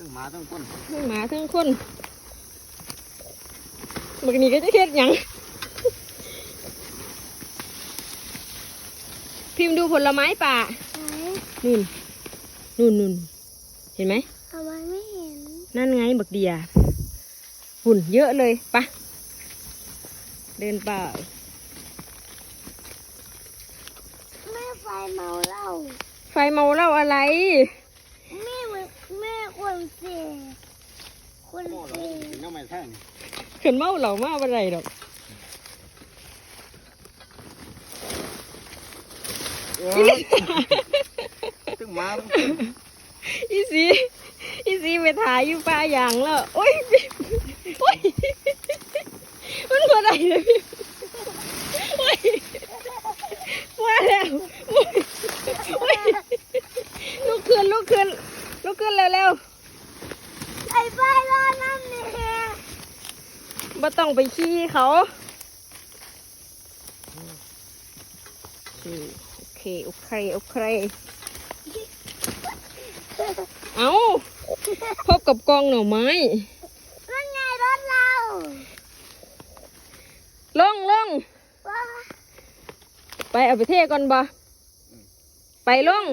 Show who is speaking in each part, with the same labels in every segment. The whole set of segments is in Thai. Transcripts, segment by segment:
Speaker 1: ทั้งหมาทั้งคน
Speaker 2: ทั้งหมาทั้งคนบักนี้ก็จะเฮ็ดหยังพิมพ์ดูผลไม้ป่านู่นเห็นไหม
Speaker 3: ทำไมไม่เห็น
Speaker 2: นั่นไงบักเดียหุ่นเยอะเลยปะเดินป่า
Speaker 3: แม่ไฟเมาเหล้า
Speaker 2: ไฟเมาเหล้าอะไร
Speaker 3: แม่คนเสียคนเสีย
Speaker 1: น้ำไม่แท่ง
Speaker 2: ขึ้นเมาเหล่ามาอะไรดอก
Speaker 1: ทั้งหมาทั้งคน
Speaker 2: อีซีไปถ่ายอยู่ป่าอย่างแล้วโอ้ยมันก็ได้เลยโอ้ยมาแล้วโอ้ยลุกขึ้นเร็ว
Speaker 3: ไอ้ไฟรอน้ำเนี่ย
Speaker 2: บ่ต้องไปขี้เขาโอเคเอาพบกับกองหน่อไม้
Speaker 3: นั่นไงรถเรา
Speaker 2: ลงไปเอาไปเทก่อนบ่ไปลง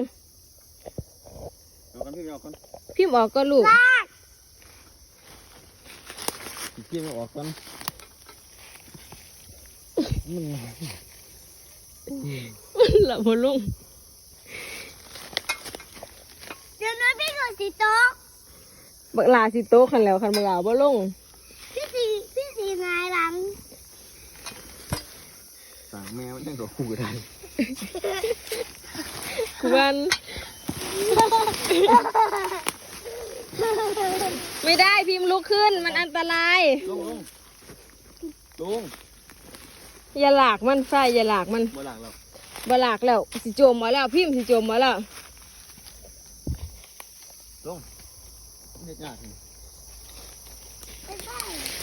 Speaker 2: พิมพ์ออกก็ลูก
Speaker 1: พิมพ์ออกกัน
Speaker 2: หลับหัวลง
Speaker 3: เดี๋ยวน้อยพี่กดสีโต๊ะ
Speaker 2: บักลาสิโต๊ะคันแล้วคันบักลาบ่ลง
Speaker 3: พี่สีนายหลัง
Speaker 1: สั่งแมวยังกับคู่ได้
Speaker 2: กวนไม่ได้พิมพ์ลุกขึ้นมันอันตราย
Speaker 1: ลง
Speaker 2: อย่าหลากมันไฟอย่าหลากมัน
Speaker 1: บ่หลักแล้ว
Speaker 2: สิโจมมาแล้วพิมพ์สิโจมมาแล้ว
Speaker 1: ลงเฮ็ดยาก